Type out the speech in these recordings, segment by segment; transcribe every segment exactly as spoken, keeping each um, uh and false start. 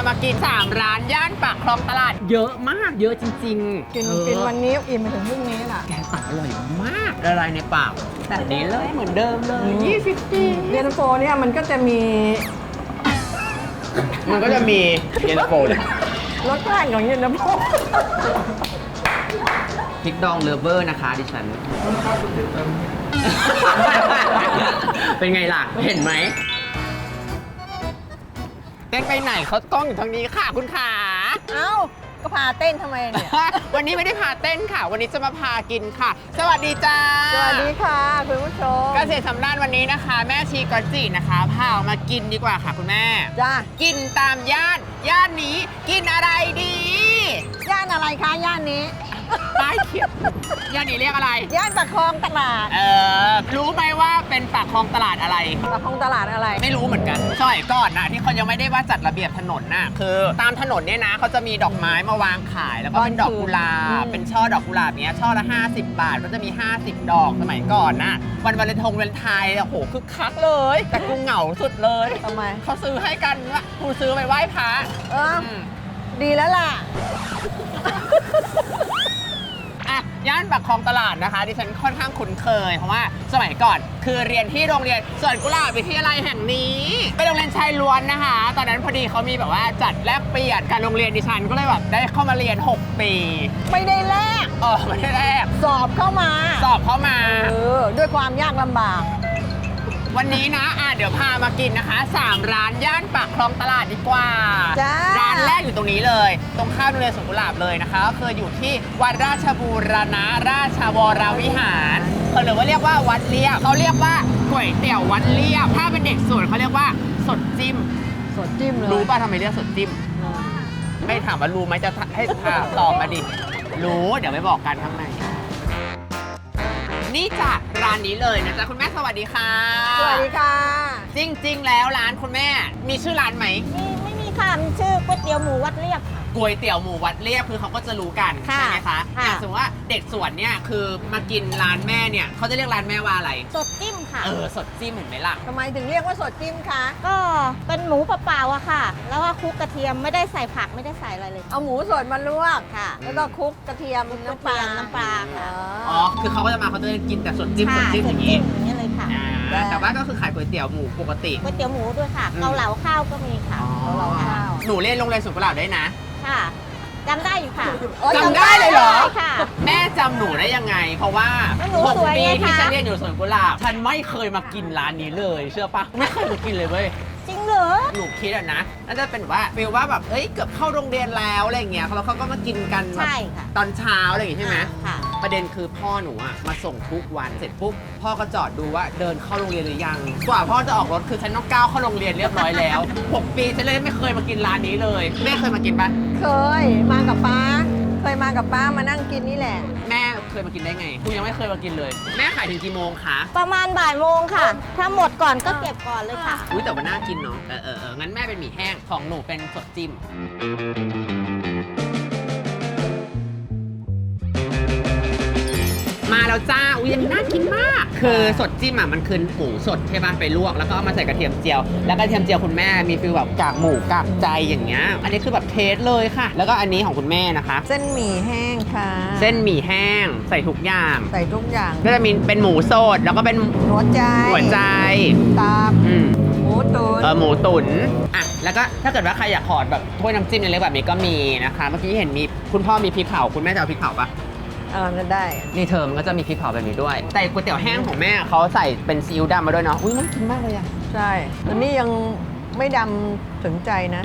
มากินสามร้านย่านปากคลองตลาดเยอะมากเยอะจริงๆกินเออกินวันนี้อิ่มไปถึงพรุ่งนี้น่ะแกงปักอร่อยมากละลายในปากแบบนี้เลยเหมือนเดิมเลยยี่สิบปีเย็นตาโฟเนี่ยมันก็จะมีมันก็จะมีเย็นตาโฟเลยรสชาติของเย็นตาโฟพริกดองเลฟเวอร์นะคะดิฉัน เป็นไงล่ะ เห็นไหมเต้นไปไหนเขากล้องอยู่ทางนี้ค่ะคุณขาเอ้าก็พาเต้นทำไมเนี่ยวันนี้ไม่ได้พาเต้นค่ะ วันนี้จะมาพากินค่ะ สวัสดีจ้าสวัสดีค่ะคุณผู้ชมเกษตรสำราญวันนี้นะคะ แม่ชีกอจินะคะพาออกมากินดีกว่าค่ะคุณแม่จ้ากินตามย่าน ย่านนี้กินอะไรดีย่านอะไรคะย่านนี้ป้ายเขียนย่านนี้เรียกอะไรย่านปากคลองตลาดเออรู้ไหมว่าเป็นปากคลองตลาดอะไรปากคลองตลาดอะไรไม่รู้เหมือนกันสมัยก่อนนะที่เขายังไม่ได้ว่าจัดระเบียบถนนน่ะคือตามถนนเนี่ยนะเขาจะมีดอกไม้มาวางขาย แล้วก็เป็นดอกกุหลาบเป็นช่อดอกกุหลาบเนี้ยช่อละห้าสิบบาทก็จะมี ห้าสิบ ดอกสมัยก่อนน่ะวันวาเลนทงวาเลนไทน์โอ้โหคึกคักเลย แต่กูเหงาสุดเลยทำไมเขาซื้อให้กันว่ากูซื้อไปไหว้พระเอออืมดีแล้วล่ะอ่ะย่านปากคลองตลาดนะคะดิฉันค่อนข้างคุ้นเคยเพราะว่าสมัยก่อนคือเรียนที่โรงเรียนสวนกุหลาบวิทยาลัยแห่งนี้เป็นโรงเรียนชายล้วนนะคะ ตอนนั้นพอดีเขามีแบบว่าจัดแลกเปลี่ยนกับโรงเรียนดิฉันก็เลยแบบได้เข้ามาเรียนหกปีไม่ได้แลกเออไม่ได้แรกสอบเข้ามาสอบเข้ามาเออด้วยความยากลำบากวันนี้นะอ่ะเดี๋ยวพามากินนะคะสามร้านย่านปากคลองตลาดดีกว่าจ้าร้านแรกอยู่ตรงนี้เลย ตรงข้ามโรงเรียนสวนกุหลาบเลยนะคะก็คืออยู่ที่วัดราชบูรณะราชวรวิหารเขาหรือว่าเรียกว่าวัดเลียบเขาเรียกว่าก๋วยเตี๋ยววัดเลียบถ้าเป็นเด็กสวนเขาเรียกว่าสดจิ้มสดจิ้มเลยรู้ป่ะทำไมเรียกสดจิ้ม ไม่ถามว่ารู้ไหมจะให้ถามตอบมาดิรู้เดี๋ยวไปบอกกันข้างในนี่จ้ะร้านนี้เลยนะจ๊ะคุณแม่สวัสดีค่ะสวัสดีค่ะจริง ๆ แล้วร้านคุณแม่มีชื่อร้านไหมมีไม่มีค่ะมีชื่อก๋วยเตี๋ยวหมูวัดเรียบค่ะก๋วยเตี๋ยวหมูวัดเรียบคือเขาก็จะรู้กันค่ะใช่ไหมคะค่ะอย่างสมมติว่าเด็กสวนเนี่ยคือมากินร้านแม่เนี่ยเขาจะเรียกร้านแม่ว่าอะไรสดจิ้มค่ะเออสดจิ้มเห็นไหมล่ะทำไมถึงเรียกว่าสดจิ้มคะก็เป็นหมูเปล่าๆอะค่ะ แล้วก็คลุกกระเทียมไม่ได้ใส่ผักไม่ได้ใส่อะไรเลยเอาหมูสดมาลวกค่ะแล้วก็คลุกกระเทียมน้ำปลาน้ำปลาค่ะอ๋อคือเขาก็จะมาเขาจะกินแต่สดจิ้มสดค่ะจิ้มสอดย่างจิ้นี้มอย่างนี้เลยค่ะอ่าแต่ว่าก็คือขายก๋วยเตี๋ยวหมูปกติก๋วยเตี๋ยวหมูด้วยค่ะอืมเกาเหลาข้าวก็มีค่ะอ๋อเกาเหลาข้าวหนูเรียนโรงเรียนสวนกุหลาบได้นะค่ะจำได้อยู่ค่ะอ๋อจำได้เลยเหรอใช่ค่ะแม่จำหนูได้ยังไง เพราะว่าแล้วหนูหกสวยปีไงที่คะฉันเรียนอยู่สวนกุหลาบฉันไม่เคยมากินร้านนี้เลย เชื่อปะไม่เคยมากินเลยเว้ยจริงเหรอหนูคิดอะนะน่าจะเป็นแบบว่าฟีลว่าแบบเอ้ยเกือบเข้าโรงเรียนแล้วอะไรอย่างเงี้ยแล้วเขาก็มากินกันแบบใช่ค่ะตอนเช้าอะไรอย่างงี้ใช่ไหมค่ะประเด็นคือพ่อหนูอะมาส่งทุกวันเสร็จปุ๊บพ่อก็จอดดูว่าเดินเข้าโรงเรียนหรือยังกว่าพ่อจะออกรถคือฉันต้องก้าวเข้าโรงเรียนเรียบร้อยแล้วหกปีฉันเลยไม่เคยมากินร้านนี้เลยแม่เคยมากินปะเคยมากับป้า เคยมากับป้ามานั่งกินนี่แหละแม่เคยมากินได้ไงกูยังไม่เคยมากินเลย แม่ขายถึงกี่โมงคะประมาณบ่ายโมงค่ะ ถ้าหมดก่อนก็เก็บก่อนเลยค่ะอุ้ยแต่ว่าน่ากินเนาะเออเออเอองั้นแม่เป็นหมี่แห้งของหนูเป็นสดจิ้มมาแล้วจ้าอุ้ยอันนี้น่ากินมาก คือสดจิ้มอ่ะมันคือหมูสดใช่ป่ะไปลวกแล้วก็เอามาใส่กระเทียมเจียวแล้วกระเทียมเจียวคุณแม่มีฟีลแบบกากหมูกากใจอย่างเงี้ยอันนี้คือแบบเทสเลยค่ะ แล้วก็อันนี้ของคุณแม่นะคะเส้นหมี่แห้งค่ะเส้นหมี่แห้งใส่ทุกอย่างใส่ทุกอย่างก็จะมีเป็นหมูสดแล้วก็เป็นหัวใจหัวใจตับอืมหมูตุ๋นเออหมูตุ๋นอ่ะแล้วก็ถ้าเกิดว่าใครอยากขอแบบถ้วยน้ำจิ้มเล็กๆแบบนี้ก็มีนะคะ เมื่อกี้เห็นมีคุณพ่อมีพริกเผาคุณแม่จะเอาพริกเผาปะเออจะได้นี่เธอมันก็จะมีพริกเผาแบบนี้ด้วย แต่ก๋วยเตี๋ยวแห้งของแม่เขาใส่เป็นซีอิ๊วดำมาด้วยเนาะอุ้ยน่ากินมากเลยอะใช่อันนี้ยังไม่ดำถึงใจนะ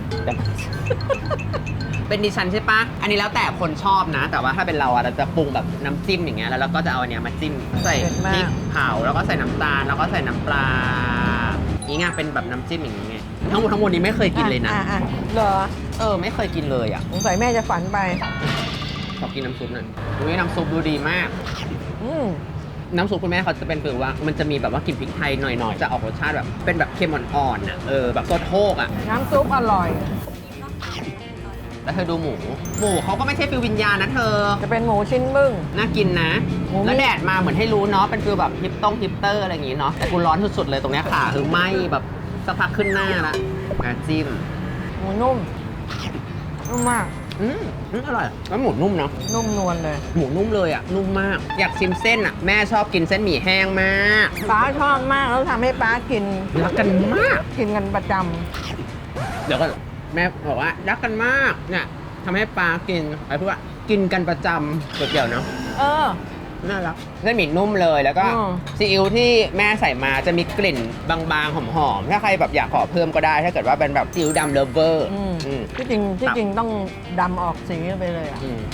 เป็นดิฉันใช่ปะอันนี้แล้วแต่คนชอบนะ แต่ว่าถ้าเป็นเราอะเราจะปรุงแบบน้ำจิ้มอย่างเงี้ยแล้วเราก็จะเอาอันเนี้ยมาจิ้มใส่เผ็ดมากพริกเผาแล้วก็ใส่น้ำตาลแล้วก็ใส่น้ำปลาอย่างเงี้ยเป็นแบบน้ำจิ้มอย่างเงี้ยทั้งหมดทั้งมวลนี้ไม่เคยกินเลยนะอ่อ่อ่เหรอเออไม่เคยกินเลยอะสงสัยแม่จะฝันไปขอกินน้ำซุปหน่อยอุ้ยน้ำซุปดูดีมากอืมน้ำซุปคุณแม่เขาจะเป็นคือว่ามันจะมีแบบว่ากลิ่นพริกไทยหน่อยๆ จะออกรสชาติแบบเป็นแบบเค็มอ่อนๆน่ะ เออแบบซดโฮกอ่ะน้ำซุปอร่อยแล้วเธอดูหมู หมูเขาก็ไม่ใช่ฟิลวิญญาณนะเธอจะเป็นหมูชิ้นบึ้งน่ากินนะหมูแล้วแดดมาเหมือนให้รู้เนาะ เป็นฟิลแบบฮิปต้องฮิปเตอร์อะไรอย่างงี้เนาะ แต่กูร้อนสุดๆเลยตรงเนี้ยขาคือไหมแบบสักพักขึ้นหน้าละอ่ะจิ้มหมูนุ่มนุ่มมากอืมอืมอร่อยแล้วหมูนุ่มเนาะนุ่มนวลเลยหมูนุ่มเลยอ่ะนุ่มมาก อยากชิมเส้นอ่ะแม่ชอบกินเส้นหมี่แห้งมากป้าชอบมากแล้วทำให้ป้ากินรักกันมากกินกันประจเดี๋ยวก็แม่บอกว่ารักกันมากเนี่ยทำให้ปลากินอะไรพูดว่ากินกันประจำก๋วยเตี๋ยวเนาะำเออน่ารักเส้นหมี่นุ่มเลยแล้วก็อืมซีอิ๊วที่แม่ใส่มาจะมีกลิ่นบางๆหอมๆถ้าใครแบบอยากขอเพิ่มก็ได้ ถ้าเกิดว่าเป็นแบบซีอิ๊วดำเลฟเวอร์อืมอืมที่จริงที่ครับจริงต้องดำออกสีไปเลยอ่ะอืม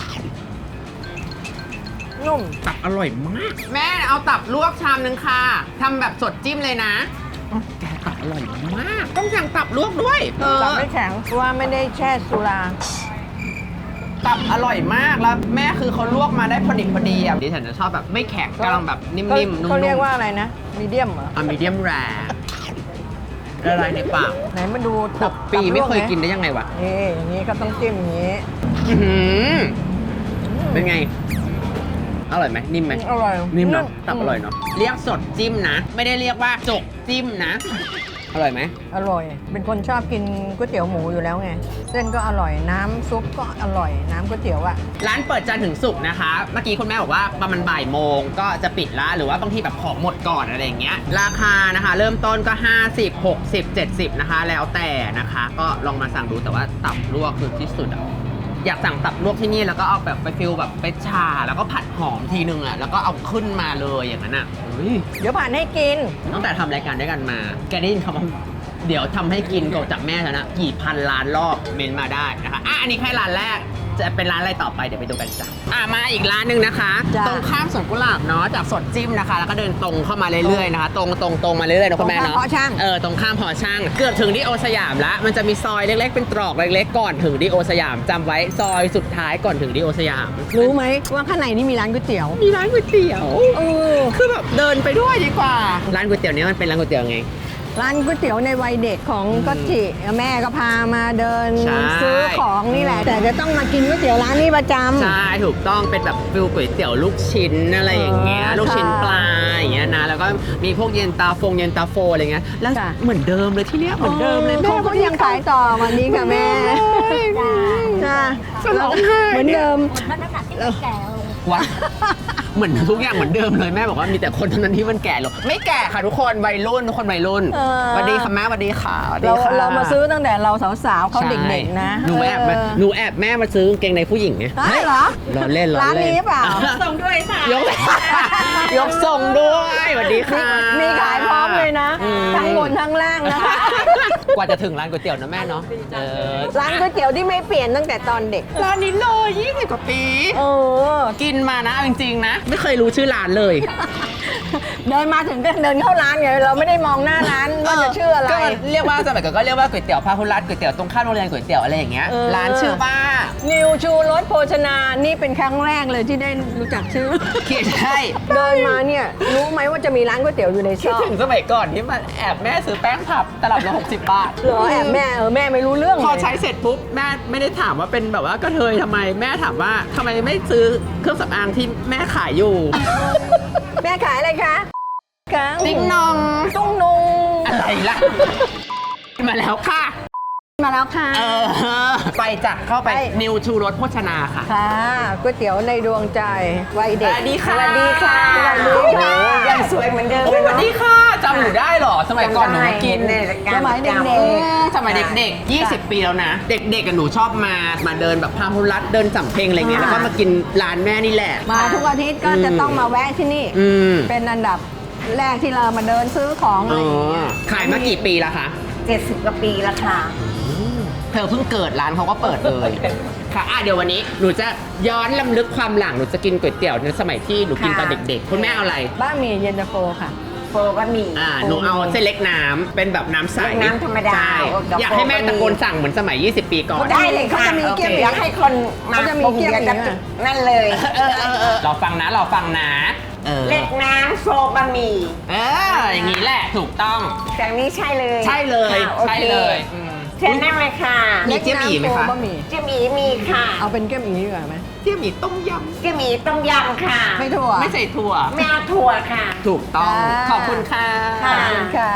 นุ่มตับอร่อยมาก แม่เอาตับลวกชามนึงค่ะทำแบบสดจิ้มเลยนะอ๋อแกตับอร่อยมาก ต้องสั่งตับลวกด้วยเออตับไม่แข็งเพราะว่าไม่ได้แช่สุราตับอร่อยมากแล้วแม่คือเขาลวกมาได้พอดิบพอดีอ่ะดิฉันจะชอบแบบไม่แข็งกำลังแบบนิ่มๆนุ่มๆเขาเรียกว่าอะไรนะมีเดียมเหรออะมีเดียมแรละลายในปากไหนมาดูหกปีไม่เคยตับลวหกินได้ยังไงวะนี่อย่างนี้ก็ต้องจิ้มอย่างนี้อื้อหือเป็นไง อร่อยไหมนิ่มไหมอร่อยนิ่มเนาะตับอร่อยเนาะเรียกสดจิ้มนะ ไม่ได้เรียกว่าจกจิ้มนะ อร่อยไหมอร่อย เป็นคนชอบกินก๋วยเตี๋ยวหมูอยู่แล้วไง เส้นก็อร่อย น้ำซุปก็อร่อย น้ำก๋วยเตี๋ยวอะร้านเปิดจันทร์ถึงศุกร์นะคะ เมื่อกี้คุณแม่บอกว่าประมาณบ่ายโมงก็จะปิดละหรือว่าบางทีแบบของหมดก่อนอะไรอย่างเงี้ย ราคานะคะ เริ่มต้นก็ ห้าสิบ หกสิบ เจ็ดสิบ นะคะ แล้วแต่นะคะ ก็ลองมาสั่งดูแต่ว่าตับลวกคือที่สุดอะอยากสั่งตับลวกที่นี่แล้วก็เอาแบบไปฟิลแบบไปชา แล้วก็ผัดหอมทีนึงอะแล้วก็เอาขึ้นมาเลยอย่างนั้นอะเฮ้ยเดี๋ยวผ่านให้กินตั้งแต่ทำรายการด้วยกันมา แกได้ยินคำว่าเดี๋ยวทำให้กินก็จากแม่แล้วนะ กี่พันล้านรอบเมนมาได้นะคะอ่ะอันนี้แค่ร้านแรก จะเป็นร้านอะไรต่อไปเดี๋ยวไปดูกันจ้ะอ่ะมาอีกร้านหนึ่งนะคะจ้ะตรงข้ามสวนกุหลาบเนาะ จากสดจิ้มนะคะ แล้วก็เดินตรงเข้ามาเรื่อยๆนะคะ ตรงตรงตรงมาเรื่อยๆนะคุณแม่เนาะตรงข้ามหอช่างเออ ตรงข้ามหอช่าง เกือบถึงที่โอสยามละ มันจะมีซอยเล็กๆ เป็นตรอกเล็กๆ ก่อนถึงที่โอสยามจำไว้ซอยสุดท้ายก่อนถึงที่โอสยามรู้ไหมว่าข้างในนี่มีร้านก๋วยเตี๋ยวมีร้านก๋วยเตี๋ยวเออคือแบบเดินไปด้วยดีกว่า ร้านก๋วยเตี๋ยวเนี้มันเป็นร้านก๋วยเตี๋ยวไงร้านก๋วยเตี๋ยวในวัยเด็กของอืมก็จิแม่ก็พามาเดินใช่ซื้อของนี่แหละ แต่จะต้องมากินก๋วยเตี๋ยวร้านนี้ประจำใช่ถูกต้องเป็นแบบฟิลก๋วยเตี๋ยวลูกชิ้นอะไรอย่างเงี้ยอ๋อลูกชิ้นค่ะปลาอย่างเงี้ยนะแล้วก็มีพวกเย็นตาฟงเย็นตาโฟอะไรเงี้ยแล้วค่ะเหมือนเดิมเลยที่เนี้ยเหมือนเดิมเลยเขาก็ยังขายต่อวันนี้ค่ะแม่จ้าจะร้องไห้เหมือนเดิมมันน้ำหนักที่มันแก่ลงวะเหมือนทุกอย่างเหมือนเดิมเลยแม่บอกว่ามีแต่คนเท่านั้นที่มันแก่ลงไม่แก่ค่ะทุกคนวัยรุ่นทุกคนวัยรุ่นเออสวัสดีค่ะแม่สวัสดีค่ะสวัสดีเราค่ะเรามาซื้อตั้งแต่เราสาวๆเขาเด็กๆนะหนูแอบมาเออหนูแอบแม่มาซื้อกางเกงในผู้หญิงไงใช่เหรอรอเล่นรอเล่นร้านนี้เปล่าส่งด้วยค่ะยก ยกส่งด้วยสวัสดีค่ะมีขายพร้อมเลยนะอืมทั้งบนทั้งล่างนะคะกว่าจะถึงร้านก๋วยเตี๋ยวนะแม่เนาะเออร้านก๋วยเตี๋ยวที่ไม่เปลี่ยนตั้งแต่ตอนเด็กร้านนี้เลยยี่สิบกว่าปีเออกินมานะเอาจริงๆนะ ไม่เคยรู้ชื่อร้านเลยเดินมาถึงก็เดินเข้าร้านไงเราไม่ได้มองหน้าร้านว่าจะชื่ออะไรก็เรียกว่าสมัยก่อนก็เรียกว่าก๋วยเตี๋ยวพาหุรัตน์ก๋วยเตี๋ยวตรงข้ามโรงเรียนก๋วยเตี๋ยวอะไรอย่างเงี้ยเออร้านชื่อว่านิวชูรสโภชนา นี่เป็นครั้งแรกเลยที่ได้รู้จักชื่อคิดใช่เดินมาเนี่ยรู้ไหมว่าจะมีร้านก๋วยเตี๋ยวอยู่ในซคิดอกถึงสมัยก่อนที่มันแอบแม่ซื้อแป้งผับตลับละหกสิบบาทเหรอแอบแม่เออแม่ไม่รู้เรื่องพอเลยใช้เสร็จปุ๊บแม่ไม่ได้ถามว่าเป็นแบบว่ากระเทยทำไมแม่ถามว่าทำไมไม่ซื้อเครื่องสำอางที่แม่ขายอยู่แม่ขายอะไรคะกังติ๊งนองตุ้งนุงอะไรล่ะ มาแล้วค่ะมาแล้วค่ะเออ ไปจ้ะเข้าไปไปนิวชูรสโภชนาค่ะค่ะก๋วยเตี๋ยวในดวงใจวัยเด็กสวัสดีค่ะสวัสดีค่ะสวัสดีค่ะยังสวยเหมือนเดิมโอ้เลยสวัสเนาะดีค่ะจำหนูได้เหรอ สมัยก่อนหนูมากินในรายการสมัยเด็กๆอืมสมัยเด็กๆ ยี่สิบ ปีแล้วนะ เด็กๆกับหนูชอบมา มาเดินแบบพาหุรัตน์เดินสำเพ็งอะไรเงี้ย แล้วก็มากินร้านแม่นี่แหละมาทุกอาทิตย์ก็จะต้องมาแวะที่นี่อืมเป็นอันดับแรกที่เรามาเดินซื้อของอะอ๋ไรออย่างเงี้ยขายมากี่ปีแล้วคะเจ็ดสิบกว่าปีแล้วค่ะเธอเพิ่งเกิดร้านเขาก็เปิดเลย ค่ะอ่ะเดี๋ยววันนี้หนูจะย้อนลำลึกความหลังหนูจะกินก๋วยเตี๋ยวในสมัยที่หนูกินตอนค่ะเด็กๆ คุณแม่เอาอะไรบ้าหมี่เย็นตาโฟค่ะโฟบะหมี่อ่าหนูเอาเส้นเล็กน้ำเป็นแบบน้ำใสเล็กน้ำธรรมดาใช่เดี๋ยวอยากให้แม่โฟบะหมี่ตะโกนสั่งเหมือนสมัย ยี่สิบ ปีก่อนได้เลยค่ะเขาจะมีเกี๊ยวอยากให้คนมาเขาจะมีปรุงเกี๊ยวเดี๋ยวจะอย่างเงี้ยนั่นเลยเออเออเออเราฟังนะเราฟังนะเออเล็กน้ำโฟบะหมี่เอออย่างนี้แหละถูกต้องแต่นี้ใช่เลยใช่เลยค่ะโอใช่คเลยอืมเชิญนั่งเลยค่ะมีเจี๊ยบอีไหมคะเล็กน้ำโฟบะหมี่เจะมีมีค่ะเอาเป็นเกี๊ยวหมี่ดีกว่าไหมเทียมหมี่ต้มยเจะมีต้มยำค่ะไม่ถั่วำไม่ใส่ถั่วไม่เอาถั่วค่ะถูกต้องอ่าขอบคุณค่ะค่ะขอบคุณค่ะ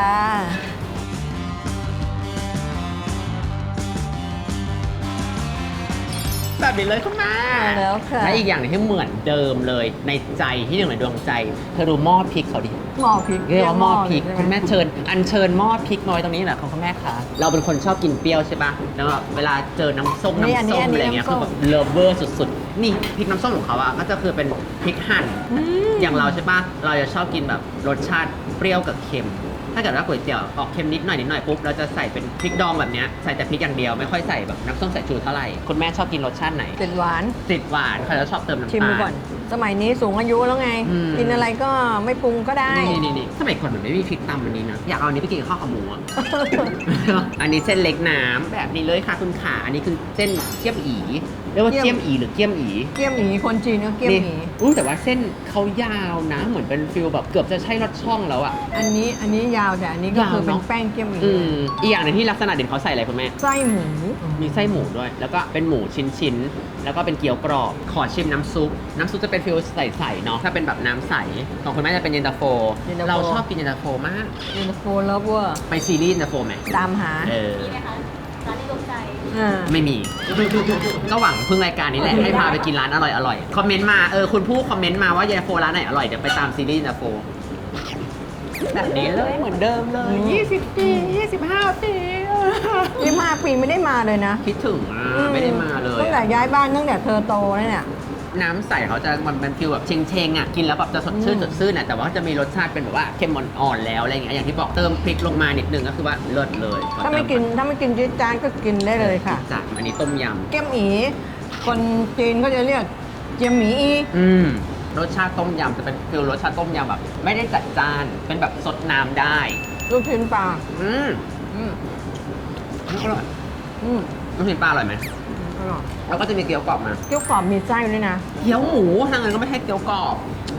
แบบนี้เลยคุณแม่มาแล้วค่ะและอีกอย่างหนึงที่เหมือนเดิมเลยในใจที่หนึ่งในดวงใจเธอดูหม้อพริกเขาดิหม้อพริกเรียกว่าหม้อพริกใช่ไหคุณแม่เชิญอัญเชิญหม้อพริกน้อยตรงนี้แหละคุณแม่คะเราเป็นคนชอบกินเปรี้ยวใช่ปะแล้วแบบเวลาเจอน้ำส้มนี่อันน้ำนี้ส้มอันนี้อะไรเงี้ยน้ำส้คือมแบบเลิฟเวอร์สุดๆ นี่พริกน้ำส้มของเขาอะก็จะคือเป็นพริกหั่นอย่างเราใช่ปะเราจะชอบกินแบบรสชาติเปรี้ยวกับเค็ม ถ้าเกิดว่าก๋วยเตี๋ยวออกเค็มนิดหน่อยนิดหน่อยปุ๊บเราจะใส่เป็นพริกดองแบบเนี้ยใส่แต่พริกอย่างเดียวไม่ค่อยใส่แบบน้ำส้มสายชูเท่าไหร่คุณแม่ชอบกินรสชาติไหนติดหวานติดหวานเขาจะชอบเติมน้ำตาลชิมดูก่อน สมัยนี้สูงอายุแล้วไงอืมกินอะไรก็ไม่ปรุงก็ได้นี่นี่นี่สมัยก่อนเหมือนไม่มีพริกตำอันนี้นะอยากเอาอันนี้ไปกินกับข้าวขาหมูอะ อันนี้เส้นเล็กน้ำแบบนี้เลยค่ะคุณขาอันนี้คือเส้นเกี๊ยมอีเรียกว่าเกี๊เกี๊ยยมมอีหรือเกี๊ยมอีเกี๊ยมหมีคนจีนก็เกี๊ยมหมีนี่อุ้ยแต่ว่าเส้นเขายาวนะ เหมือนเป็นฟิลแบบเกือบจะใช่รสช่องแล้วอะอันนี้อันนี้ยาวแต่อันนี้ก็ยาวคือเป็นเนอะแป้งเกี๊ยมหมีอืมอีกอย่างหนึงที่ลักษณะเด่นเขาใส่อะไรคุณแม่ไส้หมูมีไส้หมูด้วย แล้วก็เป็นหมูชิ้นๆ แล้วก็เป็นเกี๊ยวกรอบ ขอชิมน้ำซุป น้ำซุปจะเป็นฟิลใสๆเนาะ ถ้าเป็นแบบน้ำใส ของคุณแม่จะเป็นเย็นตาโฟ เราชอบกินเย็นตาโฟมากเย็นตาโฟเลิฟเวอร์ไปซีรีส์เย็นตาโฟไหมตามหาเอออ่าไม่มี ก็หวังพึ่งรายการนี้แหละ ให้พาไปกินร้านอร่อยอร่อยๆคอมเมนต์มา เออ คุณผู้คอมเมนต์มาว่าเย็นตาโฟร้านไหนอร่อย เดี๋ยวไปตามซีรีส์เย็นตาโฟ แบบนี้เลยเหมือนเดิมเลย ยี่สิบปี ยี่สิบห้าปียี่ห้าปีไม่ได้มาเลยนะคิดถึงอ่ะ ไม่ได้มาเลยตั้งแต่อะย้ายบ้านตั้งแต่เธอโตแล้วเนี่ยน้ำใสเขาจะมันเป็นฟิลแบบเชงเชงๆอ่ะ กินแล้วแบบจะสดชื่นอืมสดชื่นอ่ะ แต่ว่าจะมีรสชาติเป็นแบบว่าเค็มอ่อนๆแล้วอะไรอย่างเงี้ย อย่างที่บอกเติมพริกลงมานิดนึงก็คือว่าเลิศเลยถ้าไม่กินถ้าไม่กินจี๊ดจ๊าดก็กินได้เลยค่ะจัดอันนี้ต้มยเกี๊ยมหมีคนจีนก็จะเรียกเจียมหมีอีำอืมรสชาติต้มยำจะเป็นฟิลรสชาติต้มยำแบบ ไม่ได้จัดจ้าน เป็นแบบสดน้ำได้ลูกชิ้นปลาอืมอืมอร่อยอืมลูกชิ้นปลาอร่อยไหมอร่อยแล้วก็จะมีเกี๊ยวกรอบมาเกี๊ยวกรอบมีไส้ด้วยนะเกี๊ยวหมูทางนั้นก็ไม่ใช่เกี๊ยวกรอบ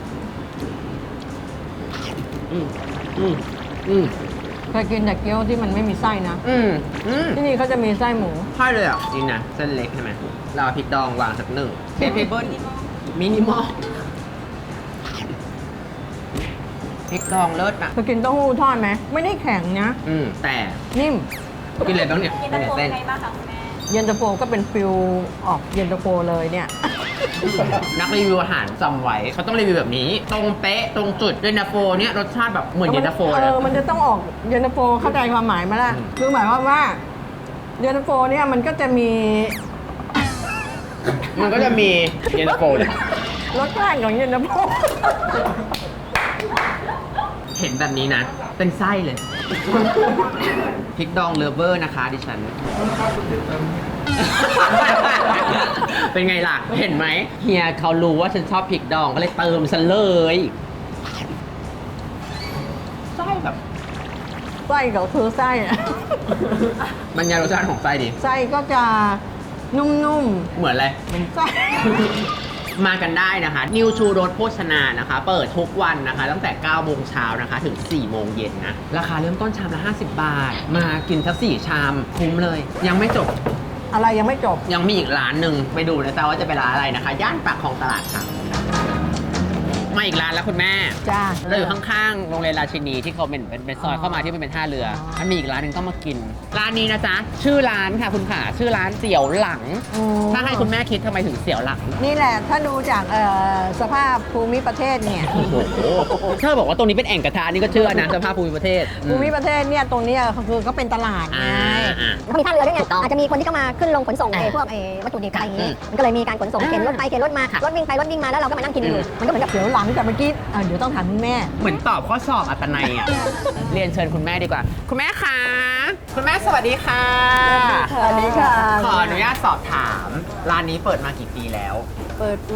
อืมอืมอืมเคยกินแต่เกี๊ยวที่มันไม่มีไส้นะอืมอืมที่นี่เขาจะมีไส้หมูใช่เลยอ่ะจริงนะเส้นเล็กใช่ไหมเราเอาพริกดองวางสักหนึ่งเทปเบิลมินิมอลพริกดองเลิศอ่ะเคยกินเต้าหู้ทอดไหมไม่ได้แข็งนะอืมแต่นิ่มกินอะไรบ้างเนี่ยเป็นเส้นเย็นตาโฟก็เป็นฟิลออกเย็นตาโฟเลยเนี่ยนักรีวิวอาหารจำไว้เขาต้องรีวิวแบบนี้ ตรงเป๊ะตรงจุดเย็นตาโฟเนี่ยรสชาติแบบเหมือนเย็นตาโฟเอเลยอ มันจะต้องออกเย็นตาโฟเข้าใจความหมายมาละอืมคือหมายความว่าเย็นตาโฟเนี่ยมันก็จะมีมันก็จะมีเย็นตาโฟเลยรสชาติของเย็นตาโฟเห็นแบบนี้นะ เป็นไส้เลย พริกดองเลฟเวอร์นะคะดิฉัน เป็นไงล่ะ เห็นไหมเฮียเขารู้ว่าฉันชอบพริกดองก็เลยเติมฉันเลยไส้แบบไส้ก็คือไส้อะบรรยายรสชาติของไส้ดิไส้ก็จะนุ่มเหมือนอะไรๆเหมือนไส้มากันได้นะคะ นิวชูรสโภชนานะคะ เปิดทุกวันนะคะ ตั้งแต่เก้าโมงเช้านะคะ ถึงสี่โมงเย็นนะ ราคาเริ่มต้นชามละห้าสิบบาท มากินสักสี่ชามคุ้มเลย ยังไม่จบอะไรยังไม่จบยังมีอีกร้านหนึ่งไปดูนะจ๊ะว่าจะเป็นร้านอะไรนะคะ ย่านปากคลองตลาดค่ะ มาอีกร้านแล้วคุณแม่จ้าเราอยู่ข้างๆ โรงเรียนราชินีที่เขาเป็นเป็นเป็นซอยเข้ามาที่มันเป็นท่าเรืออ๋อมันมีอีกร้านหนึ่งต้องมากิน ร้านนี้นะจ๊ะ ชื่อร้านค่ะคุณขาชื่อร้านเสี่ยวหลังอืมถ้าให้คุณแม่คิดทำไมถึงเสี่ยวหลังนี่แหละ ถ้าดูจากเอ่อสภาพภูมิประเทศเนี่ยโอ้โหถ้าบอกว่าตรงนี้เป็นแอ่งกระทะนี่ก็เชื่อนะสภาพภูมิประเทศอืภูมิประเทศเนี่ยตรงเนี้ยคือเขาเป็นตลาดไงอ่าอ่าเขามีท่าเรือด้วยไงอาจจะมีคนที่เข้ามาขึ้นลงขนส่งไอ้พวกไอ้วัตถุดิบอะไรอย่างงี้ มันก็เลยมีการขนส่งเข็นรถไปเข็นรถมา รถวิ่งไปรถวิ่งมาแล้วเราก็มานั่งกินอยู่ มันก็เหมือนกับเดี๋ยวหลังจากเมื่อกี้อ่ะเดี๋ยวต้องถามคุณแม่เหมือนตอบข้อสอบอัตนัยอ่ะ เรียนเชิญคุณแม่ดีกว่า คุณแม่คะคุณแม่สวัสดีค่ะสวัสดีค่ะขออนุญาตสอบถาม ร้านนี้เปิดมากี่ปีแล้วเปิดมา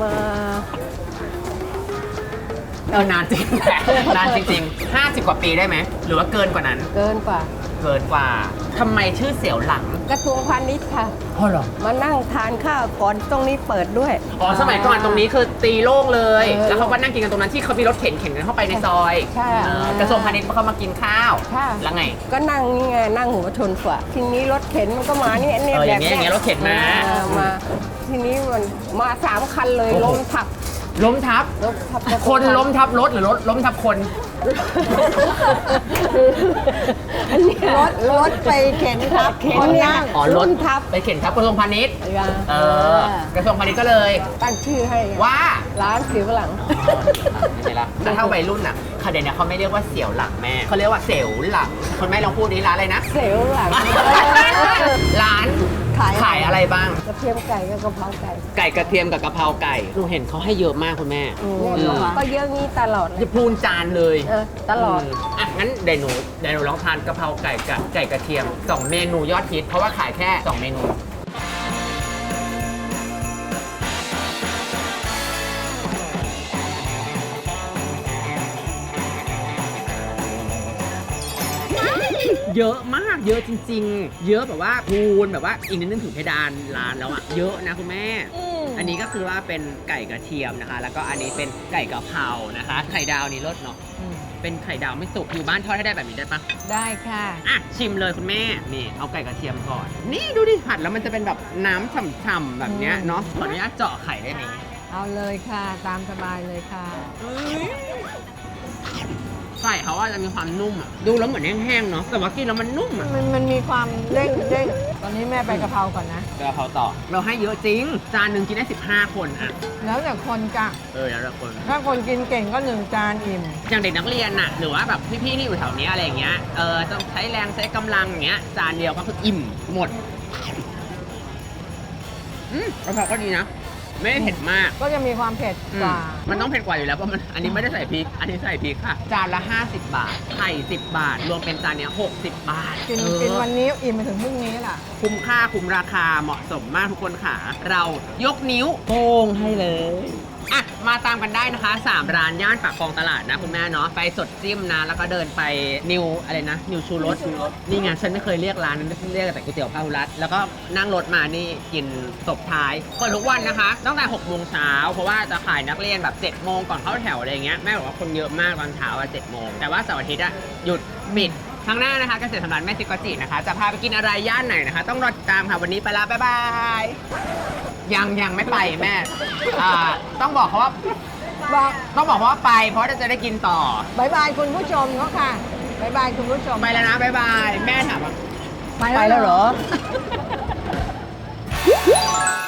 เออนานจริงแหละนานจริงๆห้าสิบกว่าปีได้ไหม หรือว่าเกินกว่านั้นเกินกว่าเกินกว่าทำไมชื่อเสี่ยวหลังกระทรวงพาณิชย์ค่ะอ๋อเหรอมานั่งทานข้าวก่อนตรงนี้เปิดด้วยอ๋อสมัยก่อนตรงนี้คือตีโล่งเลยเออแล้วเขาก็นั่งกินกันตรงนั้นที่เขามีรถเข็นเข็นกันเข้าไปในซอยใช่เออกระทรวงพาณิชย์เขามากินข้าวค่ะแล้วไงก็นั่งนี่ไงนั่งหัวชนฝาทีนี้รถเข็นมันก็มาเนี่ยเนี่ยเอออแบย่าบงเงี้ยอย่างเงี้ยรถเข็นมาออมา ทีนี้มันมาสามคันเลยโอ้โหล้มทับล้มทับล้มทับคนล้มทับรถหรือรถล้มทับคนรถรถไปเข็นทับเข็นคนเนี่ยนั่งอ๋อรถทับไปเข็นทับกระทรวงพาณิชย์อย่าเออกระทรวงพาณิชย์ก็เลยตั้งชื่อให้ว่าร้านสิวหลังไม่ใช่ละแต่ถ้าวัยรุ่นอ่ะเขาเดี๋ยวนี้เขาไม่เรียกว่าเสี่ยวหลังแม่เขาเรียกว่าเสี่ยวหลังคนแม่ลองพูดนี้ร้านอะไรนะเสียวหลังร้านขายขายอะไรบ้างกระเทียมไก่กับกะเพราไก่ไก่กระเทียมกับกะเพราไก่หนูเห็นเขาให้เยอะมากคุณแม่เนี่ยอืมก็เยอะงี้ตลอดเลยจะพูนจานเลยเออตลอดมอ่ะงั้นเดี๋ยวหนูเดี๋ยวหนูลองทานกะเพราไก่กับไก่กระเทียมสองเมนูยอดฮิตเพราะว่าขายแค่สองเมนูเยอะมากเยอะจริง ๆ เยอะแบบว่าพูนแบบว่าอีกนิดนึงถึงเพดานร้านแล้วอะเยอะนะคุณแม่ อันนี้ก็คือว่าเป็นไก่กระเทียมนะคะ แล้วก็อันนี้เป็นไก่กะเพรานะคะ ไข่ดาวนี่รสเนาะอืมเป็นไข่ดาวไม่สุกอยู่บ้านทอดให้ได้แบบนี้ได้ปะได้ค่ะอ่ะชิมเลยคุณแม่นี่เอาไก่กระเทียมก่อน นี่ดูดิผัดแล้วมันจะเป็นแบบน้ำฉ่ำๆแบบเนี้ยเนาะขออนุญาตเจาะไข่ได้ไหมเอาเลยค่ะ ตามสบายเลยค่ะไก่เขาว่าจะมีความนุ่มอะดูแล้วเหมือนแห้งๆเนาะแต่ว่ากินแล้วมันนุ่มอะมันมันมีความเด้งเด้งตอนนี้แม่ไปกะเพราก่อนนะเดี๋ยวเขาต่อเราให้เยอะจริง จานหนึ่งกินได้สิบห้าคนอะแล้วแต่คนกะเออแล้วแต่คนถ้าคนกินเก่งก็หนึ่งจานอิ่มอย่างเด็กนักเรียนน่ะหรือว่าแบบพี่ๆที่อยู่แถวเนี้ยอะไรอย่างเงี้ยเออต้องใช้แรงใช้กำลังอย่างเงี้ยจานเดียวก็คืออิ่มหมดอืมกะเพราก็ดีนะไม่ได้เผ็ดมากก็จะมีความเผ็ดอืกมว่ามันต้องเผ็ดกว่าอยู่แล้วเพราะมันอันนี้ไม่ได้ใส่พริก อันนี้ใส่พริกค่ะ จานละ ห้าสิบบาท ไข่สิบบาท รวมเป็นจานเนี้ยหกสิบบาทกินเออกินวันนี้อิ่มไปถึงพรุ่งนี้ล่ะคุ้มค่าคุ้มราคาเหมาะสมมากทุกคนค่ะ เรายกนิ้วโป้งให้เลยอ่ะมาตามกันได้นะคะสามร้านย่านปากคลองตลาดนะคุณแม่เนาะไปสดจิ้มนะแล้วก็เดินไปนิวอะไรนะนิวชูรสนี่ไงฉันไม่เคยเรียกร้านนั้นเรียกแต่ก๋วยเตี๋ยวพาหุรัตแล้วก็นั่งรถมานี่กินตบท้ายเปิดทุกวันนะคะตั้งแต่หกโมงเช้าเพราะว่าจะขายนักเรียนแบบเจ็ดโมงก่อนเข้าแถวอะไรอย่างเงี้ยแม่บอกว่าคนเยอะมากตอนเช้าอะเจ็ดโมงแต่ว่าเสาร์อาทิตย์อะหยุดปิดครั้งหน้านะคะเกษตรสำราญแม่ซิกอจินะคะจะพาไปกินอะไรย่านไหนนะคะ ต้องรอติดตามค่ะวันนี้ไปละบ๊ายบายยังยังไม่ไปแม่อ่าต้องบอกเขาว่าบอกต้องบอกว่าไปเพราะจะได้กินต่อบายบายคุณผู้ชมเขาค่ะบายบายคุณผู้ชมไปแล้วนะบ๊ายบายแม่ถามว่าไปแล้วเหรอ